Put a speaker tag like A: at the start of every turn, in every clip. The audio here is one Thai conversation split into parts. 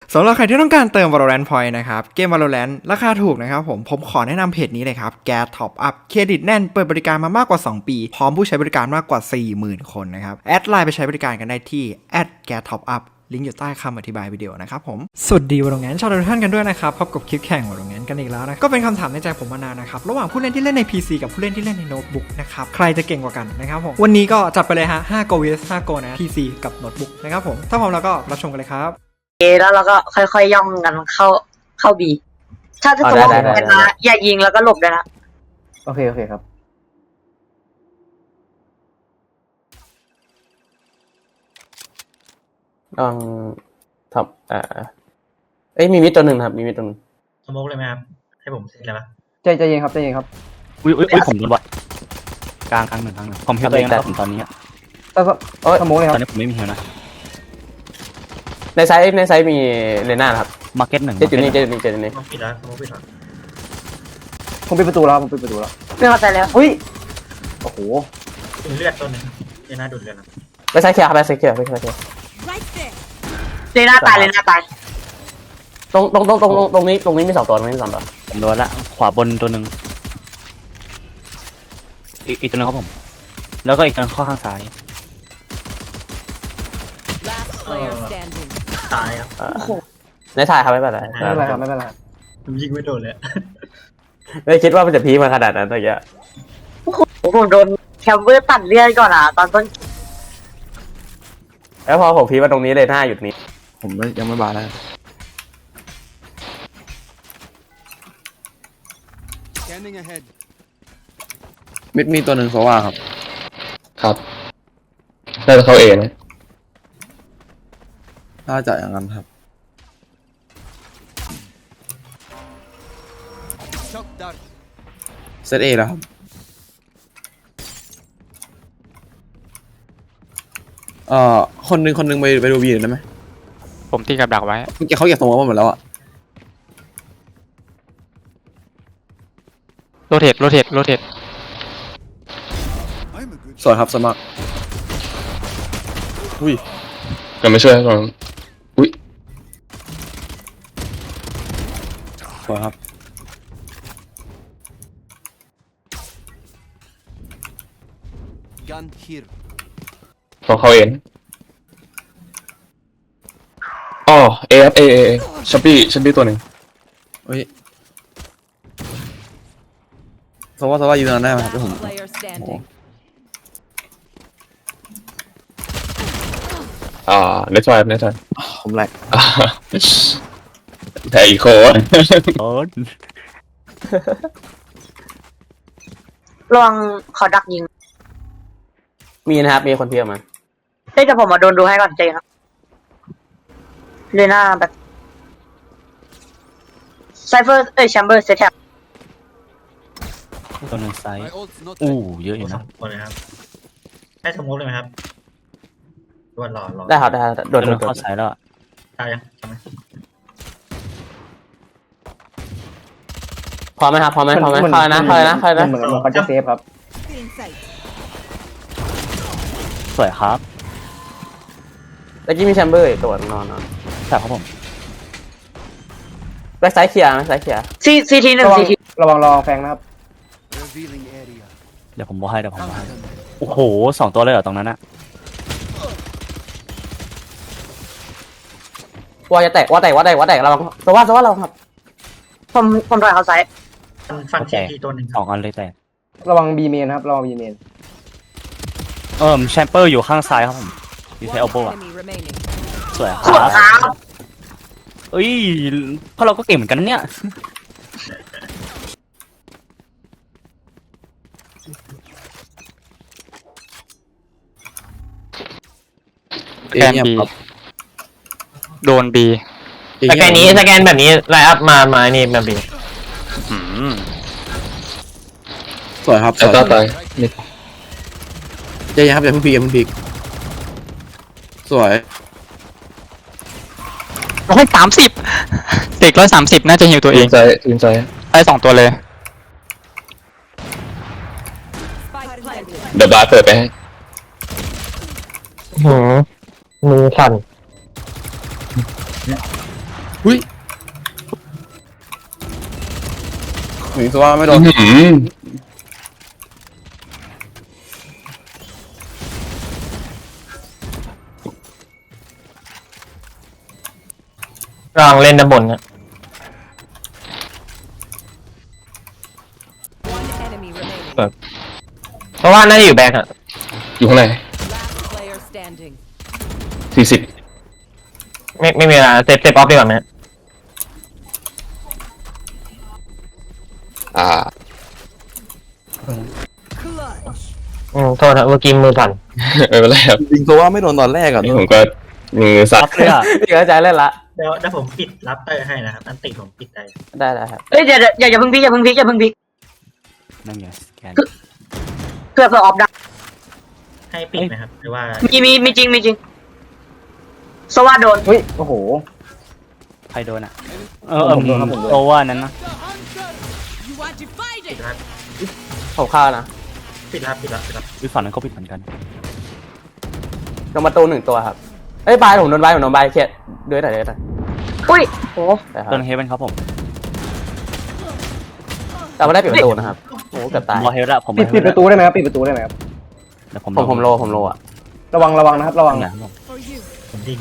A: สำหรับใครที่ต้องการเติม Valorant Point นะครับเกม Valorant ราคาถูกนะครับผมขอแนะนำเพจนี้เลยครับ Gas Top Up เครดิตแน่นเปิดบริการมามากกว่า2ปีพร้อมผู้ใช้บริการมากกว่า 40,000 คนนะครับแอดไลน์ไปใช้บริการกันได้ที่ @Gas Top Up ลิงก์อยู่ใต้คำอธิบายวิดีโอนะครับผมสวัสดี Valorant ชาวทุกท่านกันด้วยนะครับพบกับคลิปแข่ง Valorant กันอีกแล้วนะก็เป็นคำถามในใจผมมานานนะครับระหว่างผู้เล่นที่เล่นใน PC กับผู้เล่นที่เล่นในโน้ตบุ๊กนะครับใครจะเก่งกว่ากันนะครับผมวันนี้ก็จัดไปเลยฮะ5 Go vs 5 Go นะ PC กับโน้ตบุ๊กนะครับผมถ้าพร้อมแล้วก็รับชมกันเลยครับ
B: แล้วเราก็ค่อยๆย่องกันเข้าบีถ้าสมมติว่าเป็นมาอย่ายิงแล้วก็หลบด้วยนะ
C: โอเคครับ
D: ลองทำมีมิดตัวหนึ่งครับมีมิดตัวหนึ่ง
E: สโมกเลยไหมครับให้ผมเสร็จเลยไหม
C: ใจเย็นครับ
F: อุ้ยผมโดนวัดกลางหนึ่งผมเฮลตัวเองนะครับผมตอนนี้
C: สมองเลยค
F: ต
C: รั
F: อบ นนี้ผมไม่มีเฮลนะ
D: ในไซส์มีเลน่าครับ
F: มาร์เก็ตหนึ่ง
D: เจ็ดอยู่นี่
E: สโมกปิดแล้วสโมกปิดแล้ว
C: ผมปิดประตูแล้ว
B: ไม่เข้าใจแล้ว
C: อุ้ยโอ้โห
E: ดูเลือดต้นหนึ่งเดี๋ยวน่าดูดเลือดนะ
D: ในไซส์เคลียร์ครับในไซส์เคลียร์ไม่ใช่เคลียร์
B: เลยหน้าตาย
D: ตรงนี้มี2 ตัวมี2 ตัว
F: ผมโดนละขวาบนตัวหนึ่งอีกตัวนึงครับผมแล้วก็อีกตัวข้อข้างซ้าย
E: ตายครับ
D: ในถ่ายครับไม่เป็นไร
C: ไม่เป็นไรครับ
E: ผมยิงไม่โดนเลย
D: ไม่คิดว่ามันจะพีมาขนาดนั้นอะไรเงี้ย
B: ผมโดนแคมเบอร์ตัดเลือดก่อนตอนต้น
D: แล้วพอผมพีมาตรงนี้เลยหน้าหยุดนี้
A: ผมยังไม่บาแล้วมิดมีตัวหนึ่งโซว่าครับ
D: น่าจะเข้าเองนะ
A: น่าจะอย่างนั้นครับเซตเอแล้วครับคนหนึ่งไปดูบีได้ไหม
F: ผมตีกับดักไว้
A: เขาอยากส่งมาหมดแล้วอะ
F: โรเทต
A: สวยครับสมัครอุ้ย
D: ยังไม่ช่วยก่อนอุ้ย
A: สวยครับ
D: ของเขาเองอ๋อเอชับบี้ตัวหนึ่ง
A: เฮ้ยสว่ายืนนานได้ไหมครับที่ผม
D: เน็ตไฟ
A: ผมแหลก
D: แต่อีโค
F: โอ้
B: ลองขอดักยิง
D: มีนะครับมีคนเพียบมา
B: แต่ผมมาโดนดูให้ก่อนใจครับเลยหน้าแบบไซเฟอร์แชมเบอร์เซตแท็บ
F: ตัวหนึ่งไซส์เยอะอยู่นะ
E: หมดเลยครับให้สโมกเลยไหมครับรอ
D: ได้ครับโดน
F: เข้าไซส์แล้ว
E: ตายยังใช่ไหม
D: พอไหมเข้านะ
C: เหมือนเขาจะเซฟครับ
F: สวยครับ
D: แล้วกี้มีแชมเบอร์ตัวนอน
F: ใช่ครับผม
D: แบ็คไซด์เคลียร์
B: ซีที1ซีที
C: ระวังรอแฟงนะครับ
F: เดี๋ยวผมบอกให้โอ้โห2 ตัวเลยเหรอตรงนั้นอะ
D: ว่าจะแตกระวังระวังครับ
B: ผมถอยเขาไซส์
E: ฟันแขกที่ตัวหนึ่ง
F: 2 อันเลยแตก
C: ระวังบีเมนครับระวังบีเมน
F: แชมเปอร์อยู่ข้างซ้ายครับผมอยู่ใช้โอโบะสวยครับเอ้ยเพราะเราก็เก่งเหมือนกันเนี่ยแกนบีโดนบี
D: สแกนแบบนี้ไลน์อัพมานี่แบบบี
A: สวยครับ
D: ต่อไป
A: ใจเย็นครับอย่าเพิ่งพีกสวย
F: 130เด็ก130น่าจะหิวตัวเอง
D: ทีมใจ
F: ได้2 ตัวเลย
D: เดี๋ยวบาร์เปิดไปให้มือสั่น
G: หุ้ยหนีตัวไม่โดน
H: ลองเล่นด้านบนนะ
I: One enemy remaining.
H: เพราะว่าน่าจะอยู่แบงค์อะ
D: อยู่ข้างใน
I: Last player standing.
D: 40
H: ไม่มีเวลาเซฟออฟดีกว่าไหม
I: Clutch.
H: โทษนะเมื่อกี้มือสั่น
D: ไม่เป็นไรครับ
G: ยิงตัวว่าไม่โดนตอนแรกอ่ะ
D: นี่ผมก็มือสั่น
F: รับเลยอ่ะ
C: พี่เข้าใจเล่นละ
E: เดี๋ยวผมปิดรับเตอร์ให้นะครับอันติผมปิดได้
C: ได้ครับ
B: เอ้ยเดี๋ยวอย่าเพิ่งพลิกอย่าเพิ่งพลิกอย่าเพิ่งพลิก
F: นั่นไงสแกน
B: เพื่อออฟได้
E: ให้ปิดไหมครับหรือว่า
B: มีจริงสวัสดโดน
C: เฮ้ยโอ้โห
F: ใครโดนอ่ะ
C: ผมโดนครับผมโดน
F: โอเวอร์นั้นนะ
I: You are divided.
E: รับ
C: ผมฆ่านะ
E: ปิดรับปิดรับ
F: วิฝั่งนั้นก็ผิดเหมือนกัน
C: ลงประตู1ตัวครับเอ้ยบายผมโดนบายเครียดด้วยหน่อย
B: อุ้ยโห
F: โดนเฮเวนครับผม
C: แต่ไม่ได้ปิดประตูนะครับโอ้เกือบตาย
F: รอเฮเวนละผม
C: ปิดประตูได้ไหมครับปิดประตูได้ไหมครับ
F: เดี๋ยวผม
C: ผมโลอ่ะระวังนะครับระวัง
F: นะครับผม
I: For you.
E: ผมยิง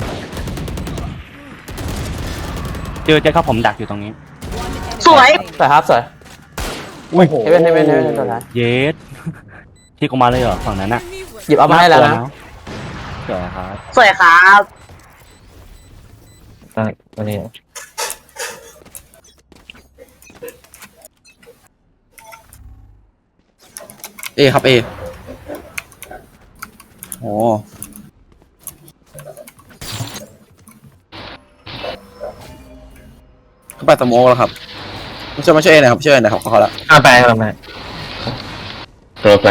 F: เจอครับผมดักอยู่ตรงนี้
I: One enemy
B: สวย
I: remaining.
C: สวยครับสวย
F: อุ้ย
C: เฮเว่นตัวท้าย
F: เยสที่กูมาเลยเหรอฝั่งนั้นอ่ะ
C: หยิบเอามาให้แล้วนะ
F: เดี๋ยวครับ
B: สวยครับ
H: ตัวนี้
G: เอครับเอโอ้เขาไปสโมกแล้วครับมาช่วยเอหน่อยครับช่วยเอหน่อยครับเขาละ
H: ไปครับ
D: ตัวแฟง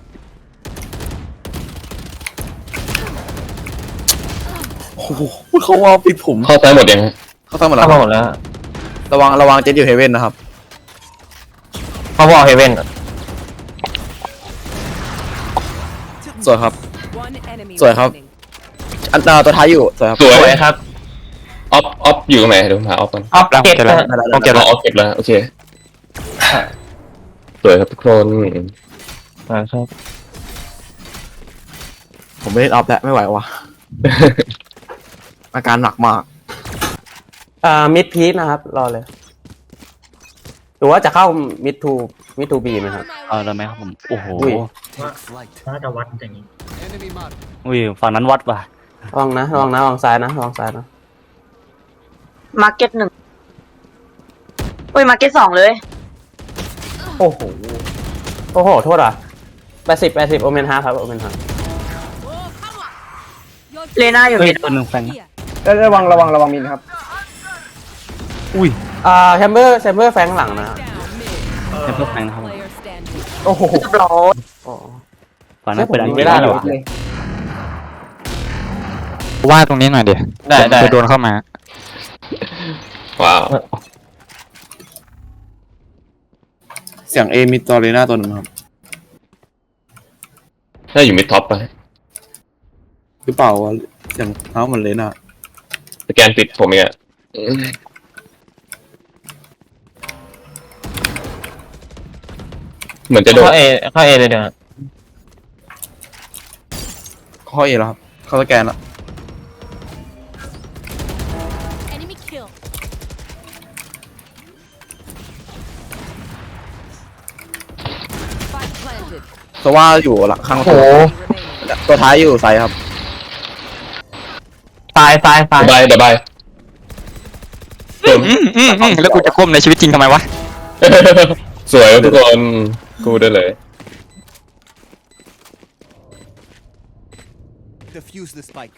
G: โอ้โหเขาว่าปิดผม
D: เข้าซ้ายหมดยังฮะ
G: เขาทำหมดแล้
H: เข้าว มาหมดแล้ว
G: ระวังเจ็ตอยู่เฮเว่นนะครับ
H: เขาบอกเฮเว่น
G: สวยครับ
I: One enemy
G: สวยครับ
I: remaining.
G: อันตัวท้ายอยู่สวยครับ
D: สวย
H: สวยครับ
D: ออฟอยู่ตรงไหนเดี๋ยวผมหาออฟก่อน
H: ออฟเก็ตนะ
G: ผมเก็บ
D: ออฟเก็บแล้วโอเคสวยครับทุกคน
H: ครับ
G: ผมไม่ได้อัพแล้วไม่ไหวว่ะ อาการหนักมาก
C: มิดพีคนะครับรอเลยหรือว่าจะเข้ามิดทูบีไหมครับ
F: ได้ไหมครับผมโอ้โห
C: อุ้ย
E: ว่าน่าจะวัดอย่างนี้
F: อุ้ยฝั่งนั้นวัดว่ะ
C: ระวังระวังซ้ายนะ
B: มาร์เก็ต1อุ้ยมาร์เก็ต2เลย
C: โอ้โหโทษอ่ะ80โอเมนฮาครับโอเมนฮา
B: เลน่าอยู่
F: เฮ้ย
B: มิด
F: ตัวหนึ่งแฟง
I: Here.
C: ระวังมินครับ
F: อุ้ย
C: แชมเบอร์แฟงหลังนะ
I: Down mid.
F: เป็นเพื่อนแฟงนะครับผม
I: Player standing.
C: โอ้โห
B: เรียบร้อย
F: ฝั่งนั้นเป็นอัน
C: ไม่ได้หรอ
J: ว่าตรงนี้หน่อยดิ
H: ได้
J: จะโดนเข้ามา
D: ว้าว
G: เสียงเอมีตัวเรน่าตัวหนึ่งครับ
D: ถ้าอยู่มิดท็อปไป
G: หรือเปล่าวะเสียงเท้าเหมือนเรน่า
D: สแกนปิดผมเองอะเหมือนจะโดน
H: เข้าเอเลยเดี๋ยว
G: ข้อเอแล้วครับเขาสแกนแล้ว
I: Enemy kill. Spike planted.
G: เพราะว่าอยู่หลังข้างประตู
I: Remaining.
G: ตัวท้ายอยู่ไซด์ครับ
H: ตาย
D: บายเดี๋ยวบายเติม
J: แล้วกูจะก้มในชีวิตจริงทำไมวะ
D: สวยครับทุกคนกูได้เลย
K: Defuse the spike.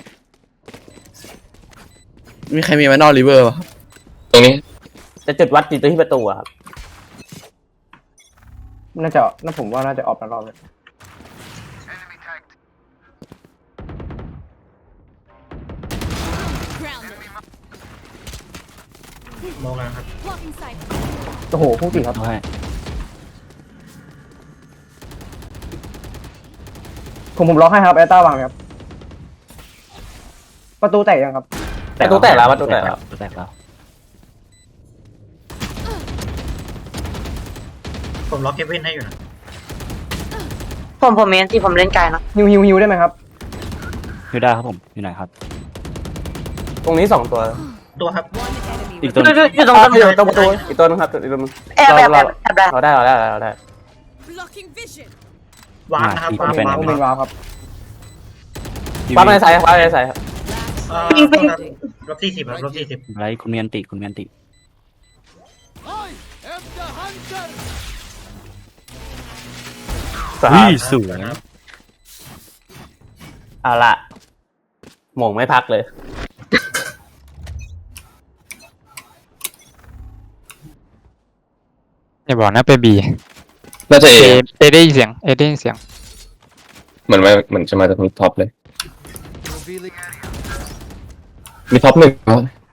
G: มีใครมีแมนนอลริเวอร์ป่ะ
D: ตรงนี้
C: จะจุดวัดอยู่ที่ประตูอะครับน่าผมว่าน่าจะออกมารอบเลย
E: มองแล้วครับ
I: Blocking sight.
C: โอ้โหพูดผิดครับ
F: ใช่
C: ผมล็อกให้ครับแอตต้าวางไหมครับประตูแตกยังครับ
D: ประตูแตกแล้วประตูแตกแล้ว
F: ประตูแตกแล้ว
E: ผมล็อกเฮเว่นให้อยู่นะ
B: ผมเมนที่ผมเล่นไกลนะ
C: ฮิวได้ไหมครับ
F: อยู่ได้ครับผมอยู่ไหนครับ
D: ตรงนี้2 ตัว
E: ตัวครับ
I: One enemy
F: อีกตัว
I: remaining.
B: อยู่ตรงต้น
D: อยู่ตรงประตูอีกตัวนึงครับอีกตัวนึง
B: แอบได้
D: เราได้
I: Blocking vision.
E: วางนะครับวาง
F: เป็น
E: วาง
C: เป็นวาวครับ
D: ปั๊บในสายครับปั๊บในสายครับ
B: ปิงปิง
E: ลบ40ครับลบ40
F: ไรคุณเมียนติคุณเมียนติ
D: สา
F: อุ้
D: ย
F: ยสวย
D: เอาละหม่งไม่พักเลย
J: อย่าบอกนะไปบี
H: น่าจะ
J: เอ
H: เอ
J: ได้ยินเสียงเอได้ยินเสียง
H: เหมือนจะมาจากมิดท็อปเลย มีท็อป1แล้ว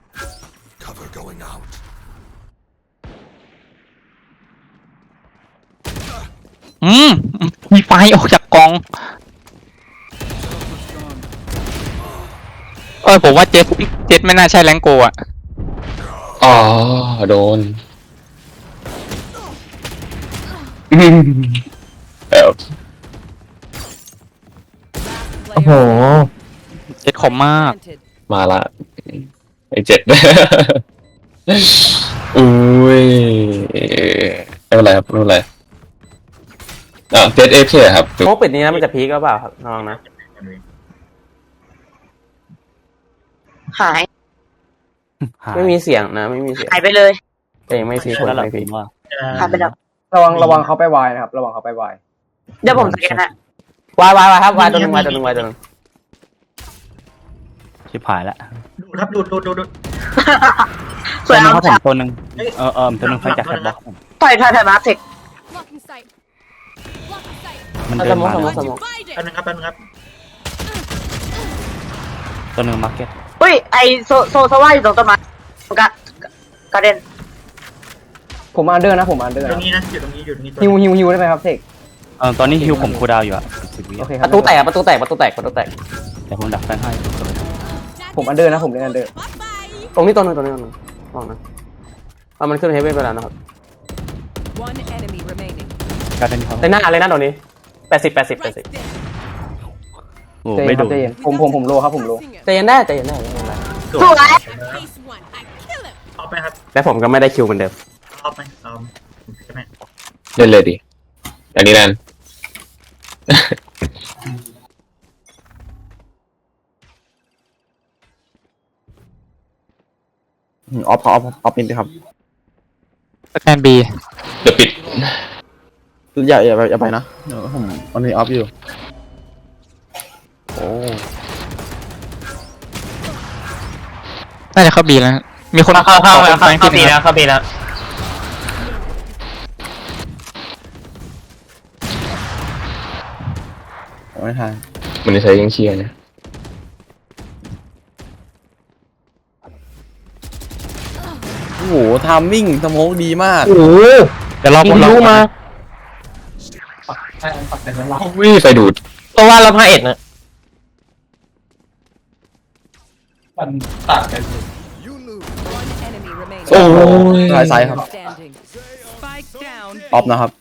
J: มีไฟออกจากกล่อง ผมว่าเจ็ดไม่น่าใช่แรงโกอ่ะ
H: อ๋อโดนแล้ว
I: Last player
J: เจ็ดคมมาก
I: planted.
H: มาละไอ7 อุ้ยไม่เป็นไรครับไม่เป็นไรเจ็ดเอฟใช่ครับ
D: โมปิดนี้นะมันจะพีกหรือเปล่าครับน้องนะ
B: หาย
D: ไม่มีเสียงนะไม่มีเสียง
B: หายไปเลย
D: แต่ยังไม่พีค
F: ใช่แล้วแหละ
D: ไม่
F: ผ
D: พีค
F: มว่า
B: หายไปแล้ว
C: ระวังเขาไปวายนะครับ ระวังเขาไปวาย
B: เดี๋ยวผมสแกนนะ
D: วายครับวายตัวหนึงวายตัวหนึงวายตัวหนึง
F: ชิบหายแล้ว
E: ดูดครับดูด
B: ส
F: ตัว
B: วย
F: หนึง
B: เอา
F: ครับผมตัวหนึงตัวหนึงไฟจากแคทบล็อกผม
B: ถอยมาเสก
I: Blocking sight. Blocking sight.
F: มันเดินมา
D: สม
F: แล้ว
D: องสมอง
I: Find
E: แป๊บ
I: it.
E: นึงครับแป๊บนึงครับ
F: ตัวหนึงมาร์เก็ต
B: อุ้ยไอโซว่าอยู่ตรงต้นไม้กระเด็น
C: ผมอันเดอร์นะผมอันเดอร์
E: ตรง
C: นะ
E: นี้นะอยู่ตรงนี้ตัว
C: ฮิวได้ไหมครับเสก
F: ตอนนี้ฮิวผมคูลดาวน์อยู่อะ10 วิ
C: โอเคค
D: ป
C: รับ
D: ระตูแตกประตูแตก
F: แต่ผมดักแฟนให้
C: ผมอันเดอร์นะผมเล่นอันเดอร์
I: Bye bye.
D: ตรงนี้ตัวหนึงมองนะมันขึ้นเฮเว่นไปแล้วนะครับ
I: One enemy remaining.
F: การเป็นเขา
D: ในหน้าเลยนะตรงนี้80
I: Right there.
F: โอ้
C: ใจเย็
F: ไม่
C: นค
F: โด
C: รับ
F: น
C: ใจเย็นผมโลครับผมโล
I: Singer.
D: ใจเย็นได้ไม่เป็นไร
B: สวย
I: Phase one. I kill him.
E: เอาไปครับ
D: และผมก็ไม่ได้คิวเหมือนเดิม
E: เอาไปเอาใช่ไหม
H: เล่นเลยดิอันนี้แนน
G: ออฟนิดครับ
J: สแกนบี
H: เดี๋ยวปิด
G: อย่าไปนะเดี๋ยวผมมันมีออฟอยู่ โอ้
J: น่าจะเข้าบีแล้ว มีคนเข้าบีแล้ว
H: เข้าปีแล้ว
G: ไม่ทัน
H: มันจะใช้ยังเชียร์นะ
G: โอ้โหทามมิ่งสโมกดีมาก
H: โอ้โห
J: เดี๋ยวรอผม
H: รู้มาวิ่งไฟดูดเพราะว่าเราพาเอ็ดนะ
I: One enemy remaining.
H: โอ้ย
G: สายครับ
I: Standing. Spike down.
G: ออฟนะครับ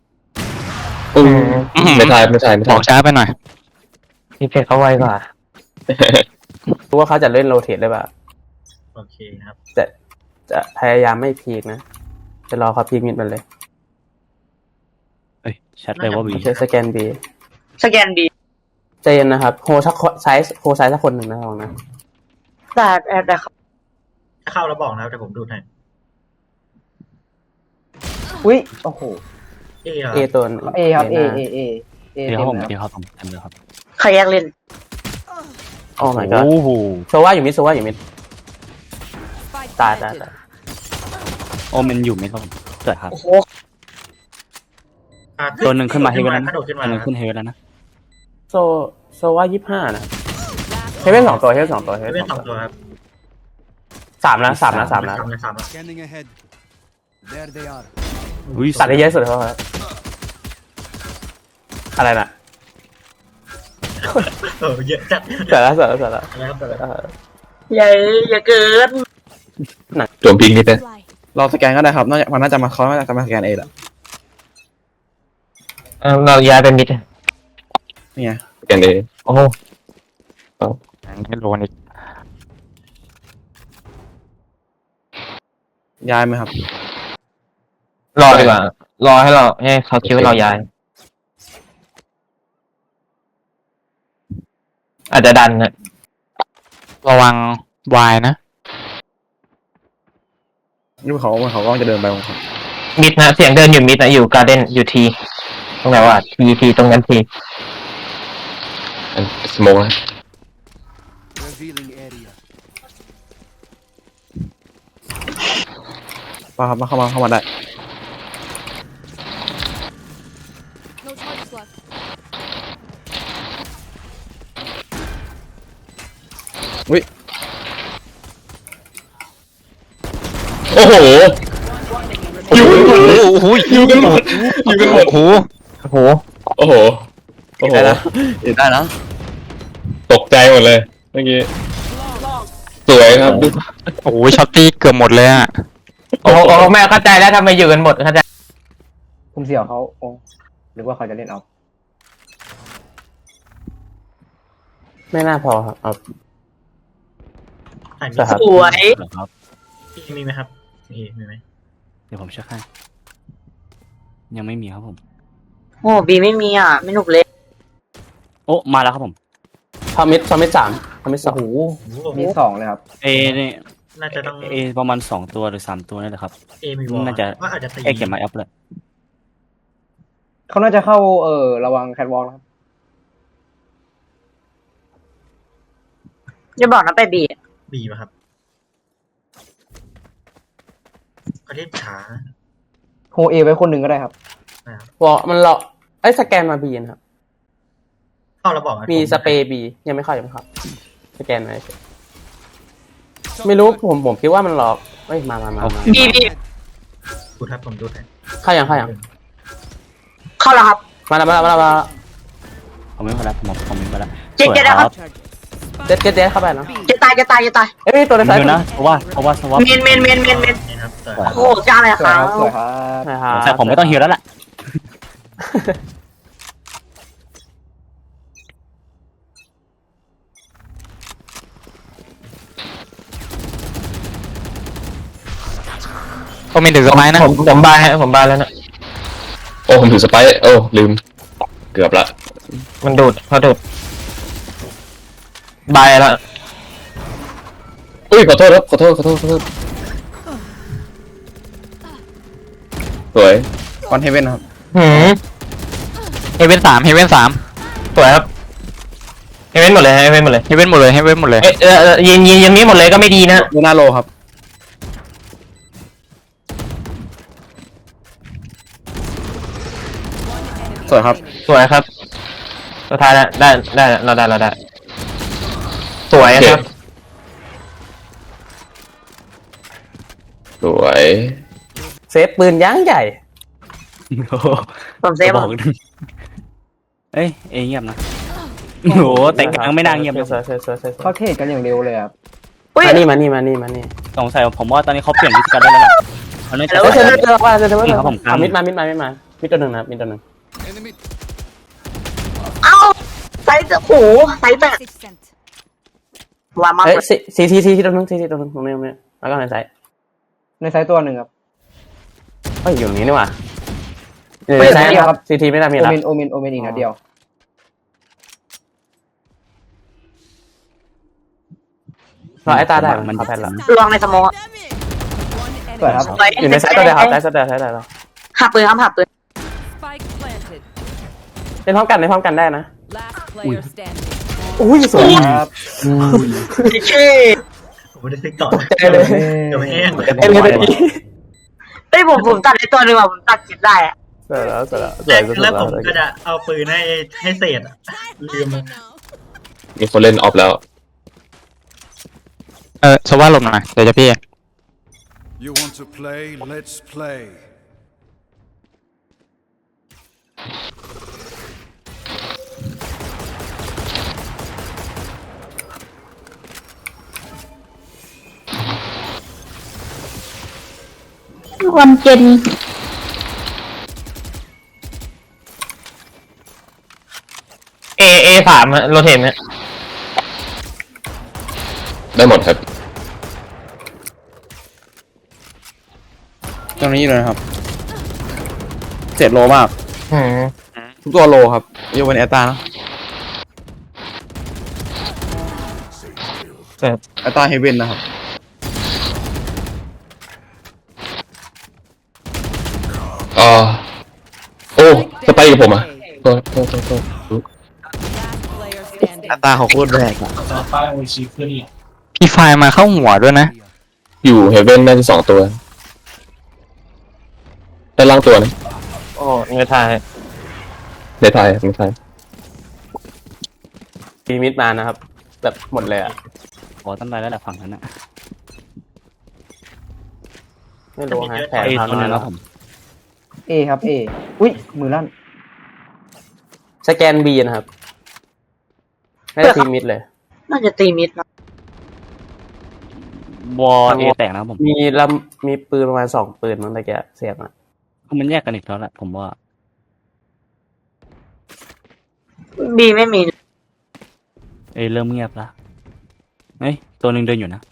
H: ไม่ทาย
J: บอกช้าไปหน่อย
H: พี่เพชรเขาไวกว่า
D: รู้ว่าเขาจะเล่นโรเทตได้ป่ะ
E: โอเคครับ
D: จะพยายามไม่พีกนะจะรอเขาพีกมิดมันเลย
F: เอ้ยแชทเลยว่าบี
D: โอเคสแกนบี
B: สแกนดี
D: ใจเย็นนะครับโฮสักไซส์สักคนหนึ่งนะลองนะ
B: ได้ครับ
E: ถ้าเข้าแล้วบอกนะครับแต่ผมดูให้
C: อุ้ยโอ้โห
D: เอตัว
C: เอครับเอ
F: เดี๋ยวครับผมเดี๋ยวครับผมเต็มเลยครับ
B: ใครแยกเล่น
D: โอ้ my god
F: โอ้โห
D: โซว่าอยู่มิด
I: Spike
D: ตาย
I: planted.
F: โอ้มันอยู่ไหมครับผมเกิดครับ
B: โอ้โห
F: ตัวหนึ่งขึ้นมาเฮเว่นแล้ว
E: ก
F: นะ
E: ระโดดขึ้น
F: ตั
E: มาว
F: หนึ่งขึ้นเฮเว่นแล้วนะ
D: โซว่า25นะเฮเว่น2ตัวเฮเว่น2ตัว
E: เฮเว่นสองตัวครับ
D: 3นะ
E: สามแล้ว
K: Scanning ahead. There they are.
F: อุ้ย
D: ตัดได้เยอะสุดแล้วครับอะไรน่ะ
E: เยอะจัด
D: เสร็จแล้ว
E: อะไรครับแต่ละ
B: อย่าเกิน
H: โจมพิงนิดนึง
G: รอสแกนก็ได้ครับมันน่าจะมาเขาน่าจะมาสแกนเองแหละ
C: เราย้ายเป็นมิด
G: นี่ไง
H: กันเอง
C: โอ้โห
J: ไม่โดนอีก
G: ย้ายไหมครับ
C: รอดีกว่ารอให้เขาคิดว่าเราย้าย อาจจะดันนะ
J: ระวังวายนะ
G: นี่เขาก็จะเดินไปของเขา
C: มิดนะเสียงเดินอยู่มิดนะอยู่การ์เด้นอยู่ทีตรงไหนวะทีตรงนั้นที
H: สโมกนะ
K: Revealing area.
G: ป้าครับมาเข้ามาได้
I: No charges left.
H: โอ้โห
J: โอ้โหอยู่กันหมดโอ้โห
C: โอ้โห
H: โอ้โหโอ้โห
G: ได้นะได้นะ
H: ตกใจหมดเลยเมื่อกี้สวยครับดู
J: โอ้โหช็อตตี้เกือบหมดเลยอ่ะ
C: โอ้โหแม่เข้าใจแล้วทำไมอยู่กันหมดเข้าใจ
D: ผมเสี่ยวเขาโอ้หรือว่าเขาจะเล่นเอาไม่น่าพอครับเอา
E: ถ่ายมี
D: ครับ
B: สวย
F: ครับ
E: มีไหมครับมีไหม
F: เดี๋ยวผมเช็คให้ยังไม่มีครับผม
B: โอ้บีไม่มีอ่ะไม่หนุกเลย
F: โอ้มาแล้วครับผม
D: ทอมิด3ทอมิด2
E: มี
D: มี2เลยครับ
F: เอนี่
E: น่าจะต้อง
F: เอประมาณ2 ตัวหรือ3 ตัวนี่แหละครับ
E: มีวอล
F: น่าจะ
E: ว่าอาจจะตี
F: เขียนมาแอปเลย
D: เขาน่าจะเข้าระวังแคทวอล์กนะครับ
B: จะบอกนะไปบี
E: บีป่ะครับเขาเรียกขา
D: โฮเอไว้คนหนึ่งก็ได้ครับ
E: นะครับ
D: วอลมันสแกนมาบีนะครับ
E: เข้าแล้วบอกนะ
D: มีสเปรย์บียังไม่เข้าสแกนมาเฉยไม่รู้ผมคิดว่ามันหลอกเอ้ยมา
B: บี
E: ดูครับผมดูให้
D: เข้ายัง
B: เข้าแล้วครับ
D: มาแล้ว
F: ผมไม่มาแล้วผมไม่มาแล้ว
B: เจ๊ได้ครับ
D: เด็ดเข้าไปนะ
B: จะตาย
D: เอ้ยตัวใน
F: เดี๋
D: ซ้าย
F: ยวนะเพราะว่า
B: เมน
E: นี่ครับแต่
B: โอ้โหจ้าเลยครับ
F: แต่ผมไม่ต้องฮิวแล้วแหละ
J: ก็มีถึงสมัยนะ
C: ผมบายแล้วนะ
H: โอ้ผมถือสไปร์โอ้ลืมเกือบละ
C: มันดูดเขาดูดบายแล้ว
H: อุ้ยขอโทษครับขอโทษสวย
G: คอนเทเว่นครับ
J: เฮเว่น3เฮเว่น3
C: สวยครับเฮเว่นหมดเลยเฮเว่นหมดเลย
J: เฮเว่นหมดเลยเฮเว่นหมดเลย
C: ยิงนี้หมดเลยก็ไม่ดีนะ
G: ดูหน้าโลครับ สวยครับ
C: สวยครับสุดท้ายแล้วได้เราได้สวยครับ
H: สวย
D: เซฟปืนยั้งใหญ่
B: ผมเซฟ
F: บอกเอ้ยเงียบนะโอ้โหแต่กลางไม่น่าเงียบนะ
D: สวยเขาเทรดกันอย่างเร็วเลยครับ
B: อุ้ย
D: มานี่
F: สงสัยผมว่าตอนนี้เขาเปลี่ยนวิธีการได้แล้วล่ะเขาน่าจะ
D: เจอว่า
F: ครับผม
D: มิดมามิดตัวหนึ่งนะครับมิดตัวหนึ่ง
K: Enemy
B: เอ้าไซส์โอ้โหไซส์แบบ
I: Message sent.
B: วางมาก
D: เอ้ย
B: เลย
D: ซีตัวหนึ่งตรงนี้แล้วก็ในไซส์ตัวหนึ่งครับเฮ้ยอยู่ตรงนี้นี่หว่าในไซส์ครับซีไม่ได้มีแล้วโอเมนอีกนัดเดียวเราไอ้ตาได้มันแพนแล้ว
B: ลองในสมอง
I: One
D: สวยครับ
I: enemy.
D: อยู่ในไซส์ตัวเดียวครับไซส์ตัวเดียวแล้ว
B: หักปืนครับหักปืน
I: Spike planted.
D: เล่นพร้อมกันได้นะ
I: Last player standing.
D: อุ้ยสวยครับ
B: เช่
E: ผมไม่ได้ซื้อต่อ
D: ใจเลย
E: เดี๋ยวไม่แห้งเลย
D: เอ้ยเลย
B: เอ้ยผมตัดในตัวหนึ่งผมตัดเก็บได้อะ
D: สวยแล้ว
E: แล้วผมก็จะเอาปืนให้เศษลืม
H: มีคนเล่นออฟแล้ว
J: สว่าหลบหน่อยเดี๋ยวจะพี่
K: You want to play? Let's play.
B: วันเจน
D: A3โรเทมเนี่ย
H: ได้หมดครับ
G: ตรงนี้เลยนะครับ7 โลมากทุกตัวโลครับยกเว้นแอตตานะแอตตาเฮเว่นนะครับ
H: โอ้สไปกับผมอ่ะโทษ
I: Last player standing.
G: ตาเขาโคตรแรงอะ
J: พี่ไฟล์มาเข้าหัวด้วยนะ
H: อยู่เฮเว่นน่าจะ2 ตัวด้านล่างตัวนะ
D: โอ้ไม่ทาย
H: ในไทยในไทย
C: มีมิดมานะครับ แบบหมดเลยอ่ะ
F: ขอตั้งใจแล้วแหละฝั่งนั้นนะ
C: ไม่รู้ฮะแผน
F: เอ
C: ทาง
F: ตัวหนึง
C: แล้
F: แล้ว วผม
D: A ครับ A อุ้ยมือลั่น
C: สแกน B นะครับไม่ได้ทีมิดเลย
B: น่าจะตีมิดนะ
F: วอเอแตกนะครับผม
C: มีปืนประมาณ2 ปืนมั้งตะเกียเสียบอ่ะ
F: มันแยกกันอีกแล้วแหละผมว่า
B: บีไม่มี
F: เริ่มเงียบละเฮ้ยตัวหนึ่งเดินอยู่นะ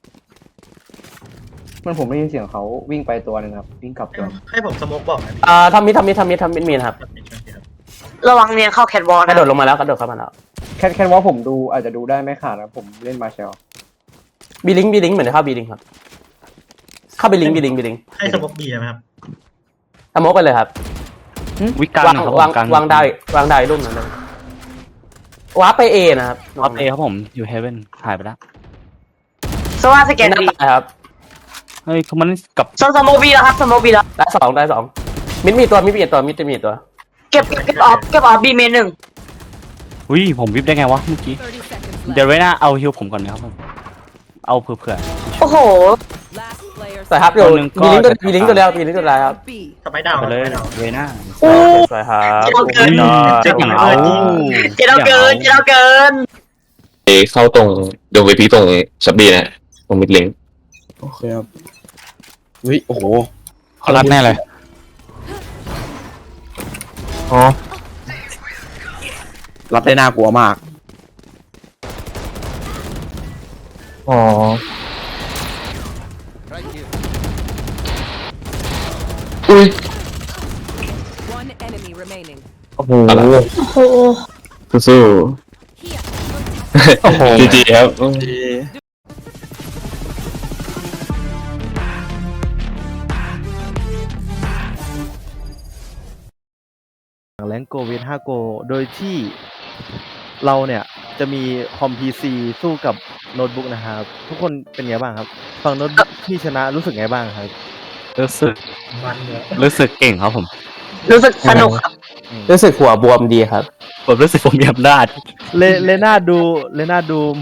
D: มันผมได้ยินเสียงเขาวิ่งไปตัวหนึ่งครับวิ่งกลับตัว
E: ให้ผมสโมกบอกนะพี่
C: ทำมิดมีนะครับ
B: ระวังเนียนเข้าแคทวอล
C: ก
B: นะ
C: ระโดดลงมาแล้วกระโดดเข้ามาแล้ว
D: แค่ว่าผมดูอาจจะดูได้ไม่ขาดนะผมเล่นมาเชล
C: บีลิงเหมือนจะเข้าบีลิงครับ เข้าบีลิง
E: ให้สโมกบีใช่ไหมครับ
C: สโมกไปเลยครับ
F: วิกลาง
C: วาง
F: นะครับ
C: วาง
F: กลาง
C: วางดาวอีกรูปหนึงเลยว้าร์ปไป A นะครับ
F: ออฟเอครับผมอยู่เฮเว่นหายไปแล้ว
B: สว่าสแกน
C: หน้า
B: บี
C: ตายครับ
F: เฮ้ยมันกับ
B: สโมบีแล้วครับสโมบีแล้ว
C: ได้สองมิดมีตัวมิดจะมีตัว
B: เก็บออฟบีเมนหนึ่ง
F: อุ้ยผมวิบได้ไงวะเมื่อกี้
I: 30 seconds
F: เดี๋ยว
I: left.
F: ไว้หน้าเอาฮิวผมก่อนนะครับผมเอาเผื่อ
B: โอ้โห
I: Last player
C: สวยครับอยู่
F: ตัวหนึ่งก็
C: บีลิงตัวเดียวครับ
I: B.
E: สไปดาว
F: ไปเลย
E: สไปดาว
F: ไว้หน้า
C: สวยครับ
B: เอาเกิน
E: เจ็บอย่างเอา
B: เจเราเกิน
H: เข้าตรงโดนไปพีตรงชับบี้นะตรงมิดลิง
G: โอเคครับเฮ้ยโอ้โห
J: เขารัดแน่เลย
G: รับได้น่ากลัวมาก
H: อุ้ย
I: One enemy remaining.
H: อะไร
B: โอ้โห
H: สู้
J: โอ้โห
H: ๆจีครับ
L: แรงโกเวท5โกโดยที่เราเนี่ยจะมีคอม PC สู้กับโน้ตบุ๊กนะครับทุกคนเป็นไงบ้างครับฝั่งโน้ตบุ๊กที่ชนะรู้สึกไงบ้างครับ
F: รู้สึกเก่งครับผม
B: รู้สึกสนุกครับ
C: รู้สึกหัวบวมดีครับ
F: ผมรู้สึกผมมีอำนาจ
L: เลน่าดูโม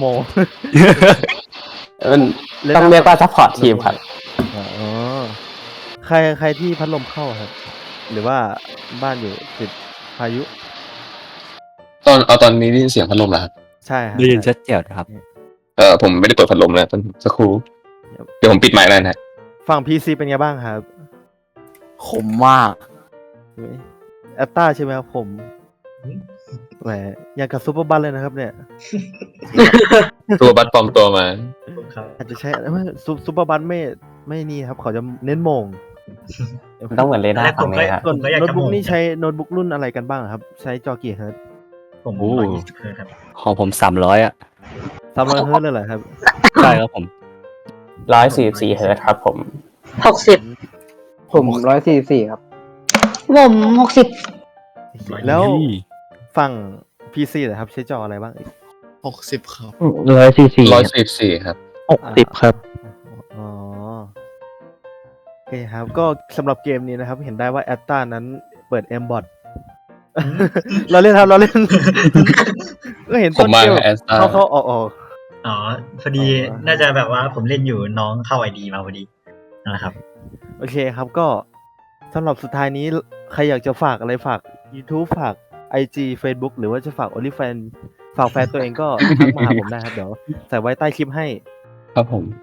C: มันต้องเรียกว่าซัพพอร์ตทีมครับ
L: อ๋อใครที่พัดลมเข้าครับ หรือว่าบ้านอยู่ติดพายุ
H: ตอนนี้ได้ยินเสียงพัดลมแล้วครับ
L: ใช่ครับ
F: ได้ยินชัดเจนครับ
H: ผมไม่ได้เปิดพัดลมนะสักครู่เดี๋ยวผมปิดไมค์แล้วนะ
L: ฝั่ง PC เป็นไงบ้างครับ
G: ขมมาก
L: แอตตาใช่ไหมครับผมแหมอย่างกับซูเปอร์บัสเลยนะครับเนี่ย
H: ตัวบัตปลอมตัวมา
E: ครับ
L: อาจจะใช้ซูเปอร์บัสไม่นี่ครับเขาจะเน้นโมง
C: ต้องเหมือนเรดาร์ฝั่งนี้ครับ
L: ส่วน
E: ผมก็อยาก
L: โน้ต
E: จะ
L: บุ๊ก
E: มอง
L: นี่ใช้โน้ตบุ๊กรุ่นอะไรกันบ้างครับ ใช้จอกี่เฮิร์ตซ์
E: ผม
F: โอ้
E: 120เลยครับ
F: ของผม300อ่ะ
L: 300เฮิร์ตซ์เลยเหรอครับ
F: ใช่ครับผม
C: 144 เฮิร์ตซ์ครับผม
B: 60
D: ผม144ครับ
B: ผม60
L: แล้วฝั่ง PC นะครับใช้จออะไรบ้างอีก
G: 60ครับ
H: 144 ครับ
J: 60 ครับ
L: อ๋อโอเคครับ ก็สำหรับเกมนี้นะครับ เห็นได้ว่าแอตตานั้นเปิด Mbot เราเล่นครับเราเล่น ก็เห็น
H: ผมมา
L: เก
H: แอสตา
L: เข้าออก
E: อ๋อพอดีน่าจะแบบว่าผมเล่นอยู่น้องเข้าไอดีมาพอดีนั่นแหละครับ
L: โอเคครับก็สำหรับสุดท้ายนี้ใครอยากจะฝากอะไรฝาก YouTube ฝาก IG Facebook หรือว่าจะฝาก OnlyFans ฝากแฟนตัวเองก็ทักมาหาผมได้ครับ เดี๋ยวใส่ไว้ใต้คลิปให้
H: ครับผม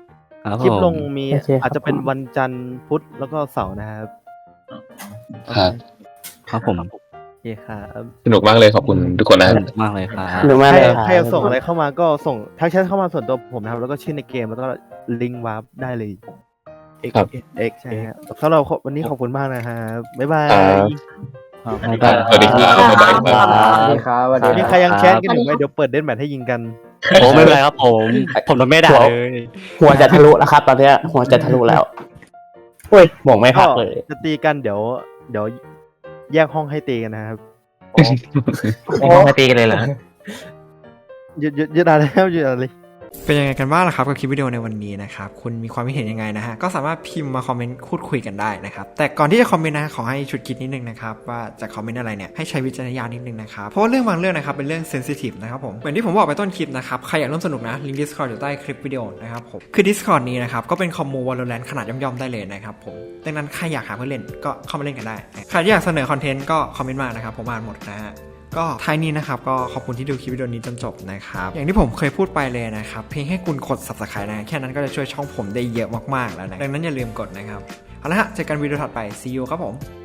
F: ครับ
L: คลิปลง
F: ผม
L: มี
C: โอเคครับ
L: อาจจะเป็นวันจันทร์พุธแล้วก็เสาร์นะครับ
H: ครับ
F: ครับผม
L: โอเคครับ
H: สนุกมากเลยขอบคุณทุกคนนะ
F: สนุกมากเลยครับ
C: หรือไม่
L: ใคร
C: เลย
L: ใครจะส่งอะไรเข้ามาก็ส่งทักแชทเข้ามาส่วนตัวผมนะครับ แล้วก็ชื่อในเกมแล้วก็ลิงก์วาร์ปได้เลย X
H: ครับ
L: X ใช่ครับสำหรับวันนี้ขอบคุณมากนะครับบ๊ายบาย
H: ครับ สวัสดีครับบ๊ายบายครับ
D: สวัสดีครับสวัสดี
L: นี่ใครยังแชทกันอยู่ไหมเดี๋ยวเปิดเดนแมทให้ยิงกัน
F: โอ้ไม่เป็นไรครับผมโดนไม่ด่าเลย
C: หัวจะทะลุแล้วครับ ตอนเนี้ยหัวจะทะลุแล้วอุ้ยหมวกไม่พักเลย
L: จะตีกันเดี๋ยวแยกห้องให้ตีกันนะครับ
J: ไม่ต้องมาตีกันเลยเหรอ
L: หยุดอะไรแล้วหยุดอะไร
A: เป็นยังไงกันบ้างล่ะครับกับคลิปวิดีโอในวันนี้นะครับคุณมีความคิดเห็นยังไงนะฮะก็สามารถพิมพ์มาคอมเมนต์พูดคุยกันได้นะครับแต่ก่อนที่จะคอมเมนต์นะขอให้ชุดคิดนิดนึงนะครับว่าจะคอมเมนต์อะไรเนี่ยให้ใช้วิจารณญาณนิดนึงนะครับเพราะว่าเรื่องบางเรื่องนะครับเป็นเรื่องเซนซิทีฟนะครับผมเหมือนที่ผมบอกไปต้นคลิปนะครับใครอยากร่วมสนุกนะลิงก์ Discord อยู่ใต้คลิปวิดีโอนะครับผมคือ Discord นี้นะครับก็เป็นคอมมู Valorant ขนาดย่อมๆได้เลยนะครับผมดังนั้นใครอยากหาเพื่อนเล่นก็เข้ามาเล่นกันได้ใครที่อยากเสนอคอนเทนต์ก็คอมเมนต์มานะครับผมอ่านหมดนะฮะก็ท้ายนี้นะครับก็ขอบคุณที่ดูคลิปวิดีโอนี้จนจบนะครับอย่างที่ผมเคยพูดไปเลยนะครับเพียงแค่คุณกด Subscribe นะแค่นั้นก็จะช่วยช่องผมได้เยอะมากๆแล้วนะดังนั้นอย่าลืมกดนะครับเอาละฮะเจอกันวิดีโอถัดไป See you ครับผม